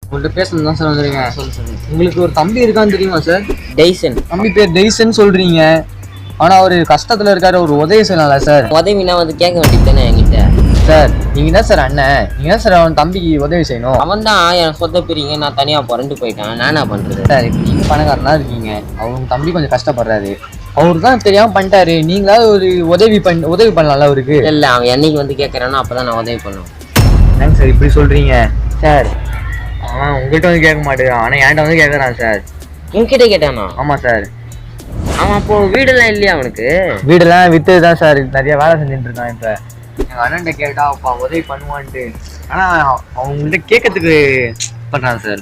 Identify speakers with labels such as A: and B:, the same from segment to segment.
A: உங்கள்கிட்ட பேசணும் தான் சார் வந்துருங்க.
B: சொல்லு.
A: உங்களுக்கு ஒரு தம்பி இருக்கான்னு தெரியுமா சார்?
B: டெய்சன்.
A: தம்பி பேர் டெய்சன் சொல்றீங்க. ஆனா அவர் கஷ்டத்துல இருக்காரு, ஒரு உதவி செய்யலாம்ல சார்?
B: உதவினா வந்து கேட்க வேண்டியது தானே என்கிட்ட.
A: சார் நீங்க தான் சார் அண்ணன், நீங்க தான் சார் அவன் தம்பிக்கு உதவி செய்யணும்.
B: அவன் தான் என் சொந்த பிரிங்க, நான் தனியா புரண்டு போயிட்டான். நானா பண்றது
A: சார்? இப்போ நீங்க பணக்காரனா இருக்கீங்க, அவங்க தம்பி கொஞ்சம் கஷ்டப்படுறாரு, அவரு தான் தெரியாம பண்ணிட்டாரு, நீங்களாவது ஒரு உதவி பண்ணலாம்ல அவருக்கு?
B: இல்ல, அவன் என்னைக்கு வந்து கேட்கறானோ அப்பதான் நான் உதவி பண்ணுவேன்.
A: என்னங்க சார் இப்படி சொல்றீங்க? சார் அவன் உங்கள்கிட்ட வந்து கேட்க மாட்டேங்கிறான், ஆனா என்கிட்ட வந்து கேட்கறான் சார்.
B: உன்கிட்ட கேட்டானா?
A: ஆமா சார்.
B: அவன் அப்போ வீடெல்லாம் இல்லையா அவனுக்கு?
A: வீடெல்லாம் வித்து தான் சார் நிறைய வேலை செஞ்சுட்டு இருக்கான். இப்ப எங்க அண்ணன்ட்ட கேட்டா அப்பா உதவி பண்ணுவான்ட்டு, ஆனா அவங்கள்ட்ட கேட்கறதுக்கு பண்றான் சார்.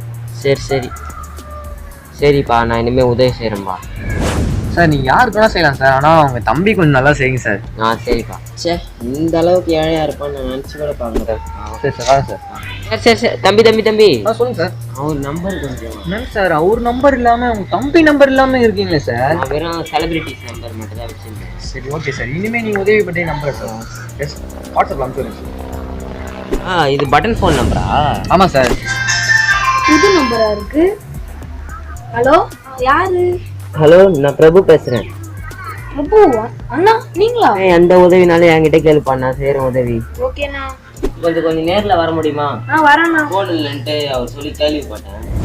B: சரிப்பா, நான் இனிமே உதவி செய்யறேன்பா.
A: சார் நீங்க யாருக்கு வேணா செய்யலாம் சார், ஆனா அவங்க தம்பி கொஞ்சம் நல்லா செய்யுங்க சார்.
B: சரிப்பா. இந்த அளவுக்கு ஏழையா இருப்பான்னு நான் நினைச்சு கூட பாருங்க.
A: சரி சார்
B: சரி. தம்பி
A: சொல்லுங்க சார்.
B: அவர் நம்பர் கொஞ்சம்.
A: என்னங்க சார் அவர் நம்பர் இல்லாம உங்க தம்பி நம்பர் இல்லாம இருக்கீங்களே சார்?
B: நான் வெறும் செலிபிரிட்டிஸ் நம்பர் மட்டும் தான் வச்சிருந்தேன்.
A: சரி ஓகே சார், இனிமே நீங்க உதவி பண்ணி நம்பர் சார் வாட்ஸ்அப்ல அனுப்பிச்சுடுங்க.
B: இது பட்டன் ஃபோன் நம்பரா?
A: ஆமா சார்.
C: புது நம்பரா இருக்கு. ஹலோ, யாரு?
B: ஹலோ, நான் பிரபு பேசுறேன்.
C: பிரபு அண்ணா நீங்களா?
B: எந்த உதவினாலும் என்கிட்ட கேளுப்பா, நான் செய்யறேன் உதவி.
C: ஓகேண்ணா.
B: கொஞ்சம் நேர்ல வர முடியுமா?
C: வரேண்ணா.
B: போன் இல்லைன்ட்டு அவர் சொல்லி கேள்விப்பட்டேன்.